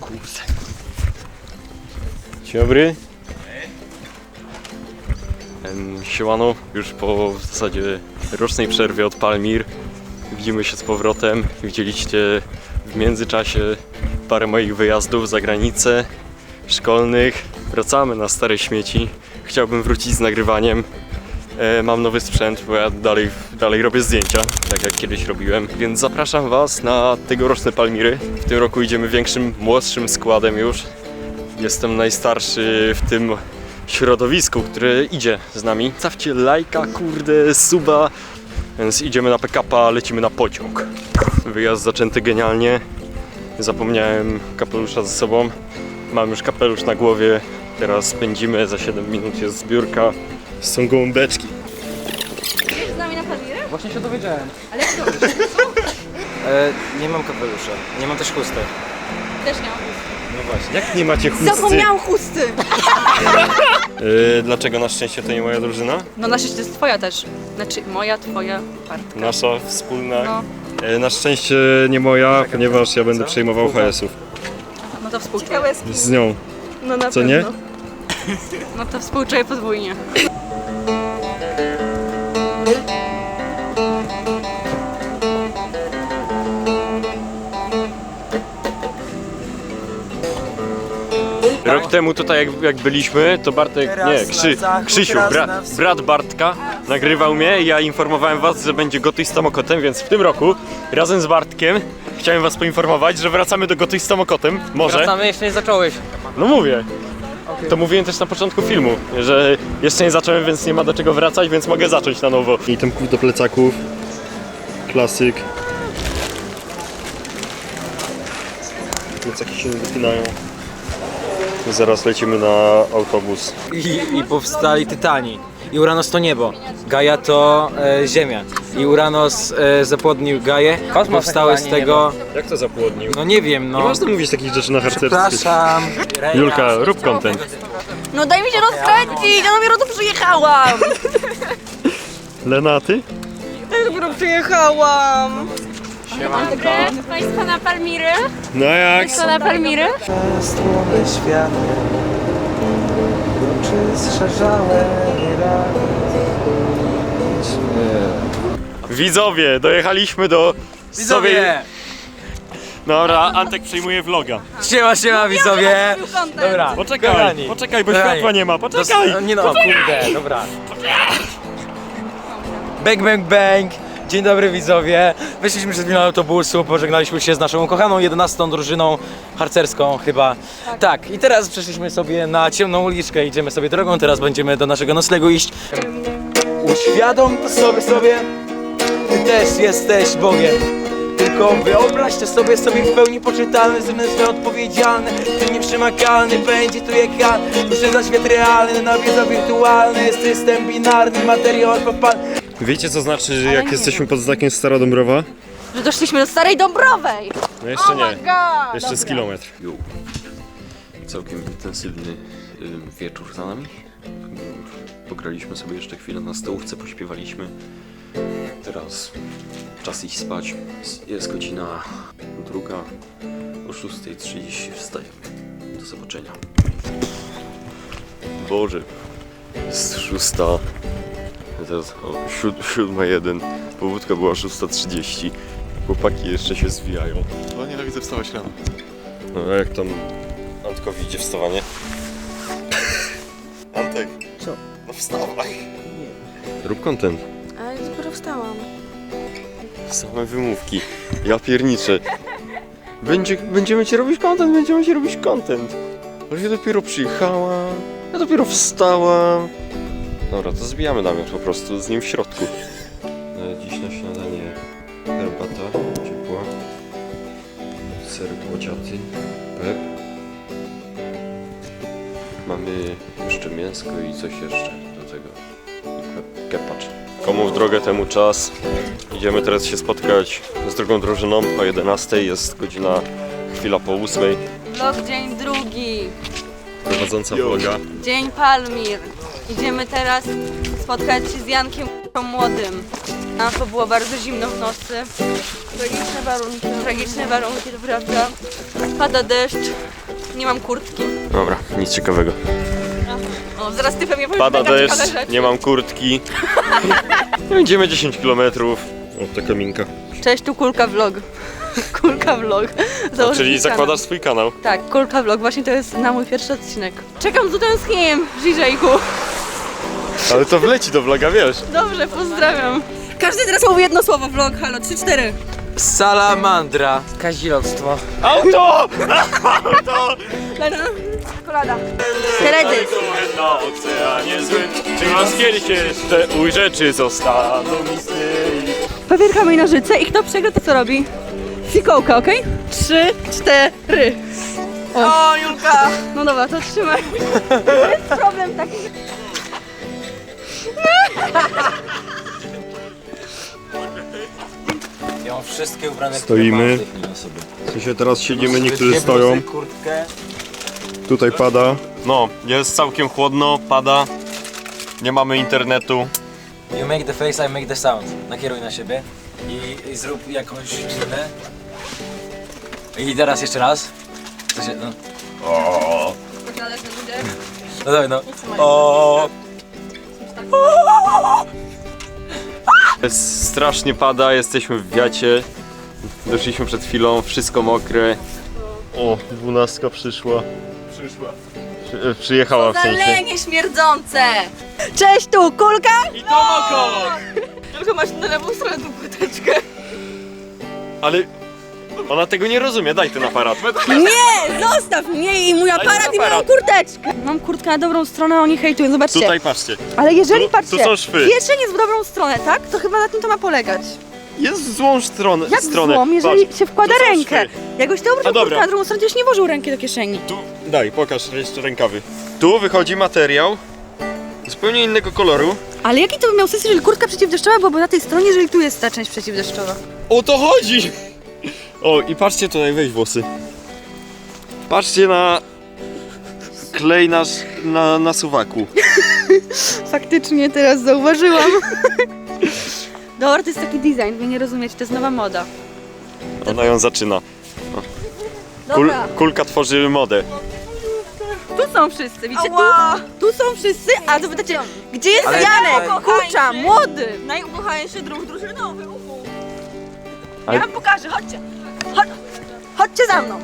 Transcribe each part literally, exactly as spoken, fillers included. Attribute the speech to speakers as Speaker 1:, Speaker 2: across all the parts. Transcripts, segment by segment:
Speaker 1: Kurde. Dzień dobry. Siemano, już po w zasadzie rocznej przerwie od Palmir widzimy się z powrotem. Widzieliście w międzyczasie parę moich wyjazdów za granicę szkolnych. Wracamy na stare śmieci. Chciałbym wrócić z nagrywaniem. E, mam nowy sprzęt, bo ja dalej, dalej robię zdjęcia, tak jak kiedyś robiłem. Więc zapraszam Was na tegoroczne Palmiry. W tym roku idziemy większym, młodszym składem już. Jestem najstarszy w tym środowisku, które idzie z nami. Stawcie lajka, kurde, suba. Więc idziemy na pick-upa, lecimy na pociąg. Wyjazd zaczęty genialnie. Zapomniałem kapelusza ze sobą. Mam już kapelusz na głowie. Teraz pędzimy, za siedem minut jest zbiórka. Są gołąbeczki.
Speaker 2: Jedziesz z nami na Palmiry?
Speaker 3: Właśnie się dowiedziałem.
Speaker 2: Ale jak to?
Speaker 3: E, nie mam kapelusza, nie mam też chustek.
Speaker 2: Też nie mam.
Speaker 1: No właśnie, jak nie macie chusty?
Speaker 2: Zapomniałam chusty!
Speaker 1: Yy, dlaczego na szczęście to nie moja drużyna?
Speaker 2: No na szczęście to jest twoja też. Znaczy moja, twoja, Bartka.
Speaker 1: Nasza wspólna.
Speaker 2: No,
Speaker 1: Yy, na szczęście nie moja, ponieważ ja będę przejmował H S ów.
Speaker 2: no to współczuję.
Speaker 1: Z nią.
Speaker 2: No na
Speaker 1: Co
Speaker 2: pewno.
Speaker 1: nie?
Speaker 2: No to współczuję podwójnie.
Speaker 1: Rok temu tutaj jak, jak byliśmy, to Bartek, nie, Krzy, Krzysiu, bra, brat Bartka nagrywał mnie i ja informowałem Was, że będzie Gotuj z Tomokotem, więc w tym roku razem z Bartkiem chciałem Was poinformować, że wracamy do Gotuj z Tomokotem, może.
Speaker 3: Wracamy, jeszcze nie zacząłeś.
Speaker 1: No mówię. To mówiłem też na początku filmu, że jeszcze nie zacząłem, więc nie ma do czego wracać, więc mogę zacząć na nowo. I temków do plecaków. Klasyk. Plecaki się nie wypinają. Zaraz lecimy na autobus.
Speaker 3: I, i powstali Tytani. I Uranos to niebo, Gaia to e, ziemia. I Uranos e, zapłodnił Gaię. Powstały z tego...
Speaker 1: Jak to zapłodnił?
Speaker 3: No nie wiem,
Speaker 1: Nie
Speaker 3: no.
Speaker 1: można mówić takich rzeczy na harcerstwie.
Speaker 3: Przepraszam.
Speaker 1: Julka, rób content.
Speaker 2: No daj mi się rozkręcić, ja dopiero tu przyjechałam!
Speaker 1: Lena, ty?
Speaker 2: Ja dopiero przyjechałam!
Speaker 4: Dobry, Państwo na Palmiry?
Speaker 1: No jak?
Speaker 4: Państwo na Palmiry?
Speaker 5: Stłomy światło, oczy strzeżałe
Speaker 1: Widzowie, dojechaliśmy do...
Speaker 3: Widzowie!
Speaker 1: Dobra, Antek przejmuje vloga.
Speaker 3: Siema, siema widzowie! Dobra,
Speaker 1: Poczekaj,
Speaker 3: kochani.
Speaker 1: poczekaj, bo
Speaker 3: Kochani.
Speaker 1: światła nie ma,
Speaker 3: Dos-
Speaker 1: poczekaj!
Speaker 3: Nie no, kurde, dobra. Bang, bang, bang! Dzień dobry widzowie. Wyszliśmy przed chwilą autobusu, pożegnaliśmy się z naszą ukochaną jedenastą drużyną harcerską chyba. Tak. tak, i teraz przeszliśmy sobie na ciemną uliczkę, idziemy sobie drogą, teraz będziemy do naszego noclegu iść. Uświadom to sobie sobie, ty też jesteś Bogiem. Tylko wyobraźcie sobie, sobie w pełni poczytalny, zmysł odpowiedzialny, ty nieprzemakalny, będzie tu jak ja. Duszę za świat realny, nawiedza wirtualny, jest system binarny, materiał alfapalny.
Speaker 1: Wiecie co znaczy, że jak jesteśmy pod znakiem Stara Dąbrowa?
Speaker 2: Że doszliśmy do Starej Dąbrowej!
Speaker 1: No jeszcze nie,
Speaker 2: God,
Speaker 1: jeszcze z kilometr.
Speaker 6: Jo. Całkiem intensywny y, wieczór za nami. Pograliśmy sobie jeszcze chwilę na stołówce, pośpiewaliśmy. Teraz czas iść spać. Jest godzina druga. O szósta trzydzieści wstajemy. Do zobaczenia. Boże, jest szósta. Teraz o siód, siódma jeden. Powódka była szósta trzydzieści. Chłopaki jeszcze się zwijają.
Speaker 7: No nienawidzę wstawać rano.
Speaker 1: No a jak tam Antkowi idzie wstawanie?
Speaker 7: Antek.
Speaker 2: Co?
Speaker 7: No wstawaj.
Speaker 1: Rób content.
Speaker 2: Ale dopiero wstałam.
Speaker 1: Same wymówki. Ja pierniczę. Będzie, będziemy ci robić content, będziemy ci robić content. Ale ja dopiero przyjechałam. Ja dopiero wstałam. Dobra, to zbijamy namiot po prostu z nim w środku. E, Dziś na śniadanie herbata ciepła. Ser kłociaty. Pep. Mamy jeszcze mięsko i coś jeszcze do tego. I ke- kepacz. Komu w drogę, temu czas. Idziemy teraz się spotkać z drugą drużyną o jedenastej. Jest godzina chwila po ósmej.
Speaker 2: Vlog dzień drugi.
Speaker 1: Prowadząca vloga.
Speaker 2: Dzień Palmir. Idziemy teraz spotkać się z Jankiem młodym. A to było bardzo zimno w nocy. Tragiczne warunki. Tragiczne warunki, to prawda. Pada deszcz. nie mam kurtki.
Speaker 1: Dobra, nic ciekawego.
Speaker 2: O, zaraz ty pewnie powiesz
Speaker 1: Pada
Speaker 2: mega
Speaker 1: deszcz,
Speaker 2: ciekawe rzeczy.
Speaker 1: nie mam kurtki. Idziemy dziesięć kilometrów. O, taka minka.
Speaker 2: Cześć, tu Kulka Vlog. Kulka Vlog.
Speaker 1: A,
Speaker 2: Założyć
Speaker 1: czyli
Speaker 2: mi kanał.
Speaker 1: zakładasz swój kanał.
Speaker 2: Tak, Kulka Vlog, właśnie to jest na mój pierwszy odcinek. Czekam z utęsknieniem, Żyżejku.
Speaker 1: Ale to wleci do vloga, wiesz.
Speaker 2: Dobrze, pozdrawiam. Każdy teraz mówi jedno słowo, vlog, halo, trzy, cztery.
Speaker 3: Salamandra. Kazilostwo.
Speaker 1: Auto!
Speaker 2: Lena, kolada. Teledysk.
Speaker 1: Na oceanie złym, czy was kiedyś jeszcze ujrzeczy zostaną misterii.
Speaker 2: Papier, kamień, nożyce i kto przegra, to co robi? Fikołka, okej? Trzy, cztery. O, Julka! No dobra, to trzymaj. To jest problem taki, że...
Speaker 3: Ja mam wszystkie ubrane,
Speaker 1: Stoimy.
Speaker 3: które mam w tej chwili na sobie.
Speaker 1: W sensie teraz siedzimy,
Speaker 3: Sobie
Speaker 1: niektórzy
Speaker 3: dwie
Speaker 1: stoją.
Speaker 3: bluzy, kurtkę.
Speaker 1: Tutaj pada. No, jest całkiem chłodno, pada. Nie mamy internetu.
Speaker 3: You make the face, I make the sound. Nakieruj na siebie i, i zrób jakąś minę. I teraz jeszcze raz. Co się, no. No dawaj, no. O.
Speaker 1: Strasznie pada, jesteśmy w wiacie. Doszliśmy przed chwilą, wszystko mokre. O, dwunastka przyszła. Przyszła. Przy, przyjechała w sensie.
Speaker 2: Zalenie śmierdzące! Cześć, tu Kulka!
Speaker 1: I to moko!
Speaker 2: Tylko masz na lewą stronę tą płyteczkę.
Speaker 1: Ale ona tego nie rozumie, daj ten aparat.
Speaker 2: Nie! Zostaw mnie i mój aparat i moją
Speaker 1: aparat.
Speaker 2: kurteczkę! Mam kurtkę na dobrą stronę, a oni hejtują, zobaczcie.
Speaker 1: Tutaj patrzcie.
Speaker 2: Ale jeżeli,
Speaker 1: Tu-
Speaker 2: patrzcie,
Speaker 1: tu są szwy.
Speaker 2: kieszeń jest w dobrą stronę, tak? To chyba na tym to ma polegać.
Speaker 1: Jest w złą stronę.
Speaker 2: Jak
Speaker 1: stronę.
Speaker 2: złom, jeżeli
Speaker 1: Patrz,
Speaker 2: się wkłada
Speaker 1: tu są
Speaker 2: rękę?
Speaker 1: szwy.
Speaker 2: Jakbyś ty
Speaker 1: A
Speaker 2: obrócił
Speaker 1: dobra.
Speaker 2: kurtkę na drugą stronę, to już nie włożył ręki do kieszeni.
Speaker 1: Tu, daj, pokaż jeszcze rękawy. Tu wychodzi materiał zupełnie innego koloru.
Speaker 2: Ale jaki to by miał sens, jeżeli kurtka przeciwdeszczowa byłaby na tej stronie, jeżeli tu jest ta część przeciwdeszczowa?
Speaker 1: O to chodzi! O, i patrzcie tutaj, weź włosy. Patrzcie na klej nasz na, na suwaku.
Speaker 2: Faktycznie teraz zauważyłam. Dobra, to jest taki design, wy nie rozumiecie, to jest nowa moda.
Speaker 1: Ona ją zaczyna. Kul,
Speaker 2: Dobra,
Speaker 1: kulka tworzy modę.
Speaker 2: tu są wszyscy, widzicie? Tu, tu są wszyscy, a to pytacie, gdzie jest
Speaker 3: Ale-
Speaker 2: Janek?
Speaker 3: ale-
Speaker 2: Kurcza, młody!
Speaker 8: Najukochańszy druh drużynowy, uhu.
Speaker 1: Ale-
Speaker 2: Ja wam pokażę, chodźcie. Chodź, chodźcie za mną.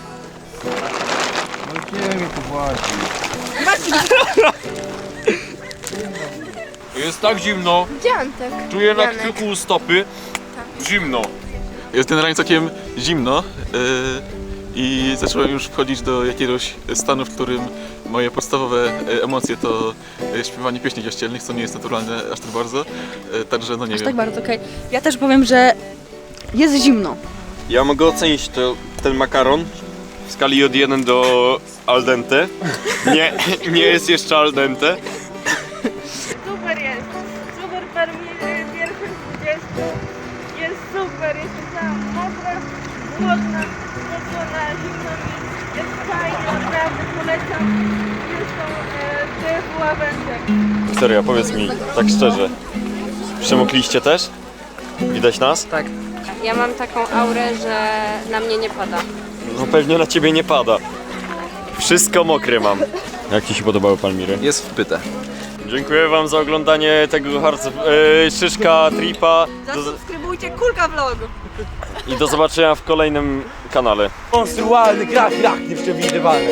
Speaker 9: Jest tak zimno,
Speaker 4: Gdzie Antek?
Speaker 9: czuję na
Speaker 4: Janek.
Speaker 9: kciuku stopy. Zimno.
Speaker 7: Jest generalnie całkiem zimno yy, i zacząłem już wchodzić do jakiegoś stanu, w którym moje podstawowe e, emocje to e, śpiewanie pieśni kościelnych, co nie jest naturalne aż tak bardzo. E, także no nie
Speaker 2: Aż
Speaker 7: wiem.
Speaker 2: tak bardzo, okej. Ja też powiem, że jest zimno.
Speaker 1: Ja mogę ocenić to, ten makaron w skali od jeden do al dente. Nie, nie jest jeszcze al dente.
Speaker 8: Super jest. Super permi- pierwszy z dwudziestu. Jest super, jest cała mokra, głodna, spocona, zimno mi. Jest fajnie, naprawdę polecam. Jest to e, tych ławędek.
Speaker 1: Serio, powiedz mi, tak szczerze. Przemokliście też? Widać nas?
Speaker 3: Tak.
Speaker 4: Ja mam taką aurę, że na mnie nie pada.
Speaker 1: No pewnie na ciebie nie pada. Wszystko mokre mam. Jak ci się podobały Palmiry?
Speaker 9: Jest wpyte.
Speaker 1: Dziękuję wam za oglądanie tego harce, e, szyszka tripa do,
Speaker 2: Zasubskrybujcie Kulka Vlog.
Speaker 1: i do zobaczenia w kolejnym kanale.
Speaker 3: Monstrualny krach, krach nieprzewidywalny.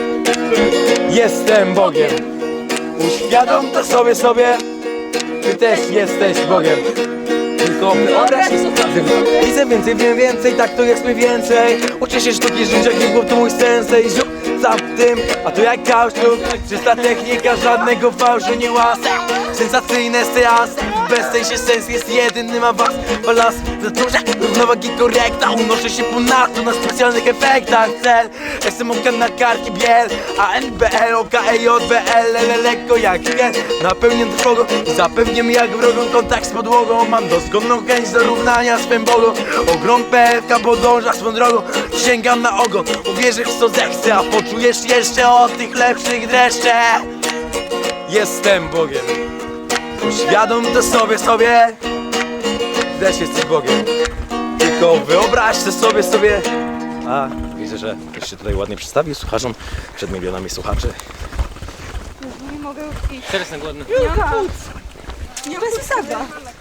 Speaker 3: Jestem Bogiem. Uświadom to sobie, sobie. Ty też jesteś Bogiem. Tylko wyobraź sobie. Widzę więcej, wiem więcej, tak to jest mniej więcej. Uczę się sztuki życia, hip-hop to mój sensei. Ziup za tym, a to jak kauczuk. Czysta technika, żadnego fałszu nie łasa. Sensacyjne seans, bez tej się sens jest jedyny ma was. Balans, zatrudnia, równowagi korekta. Unoszę się ponadto na specjalnych efektach. Cel, S M O K na karki biel. A N B L, O K E J B L, L lekko jak gen. Napełnię trwogą i zapewniam jak wrogą kontakt z podłogą. Mam doskonałą chęć do równania swym Bogom. Ogrom P F K podąża swą drogą. Sięgam na ogon, uwierzysz w co zechcę, a poczujesz jeszcze o tych lepszych dreszcze. Jestem Bogiem. Uświadom to sobie, sobie. Też jesteś Bogiem. Tylko wyobraź to sobie, sobie. A, widzę, myślę, że ktoś się tutaj ładnie przedstawił słuchaczom przed milionami słuchaczy.
Speaker 2: Nie mogę już iść.
Speaker 3: Teraz jestem głodny.
Speaker 2: Nie ma Nie bez usada.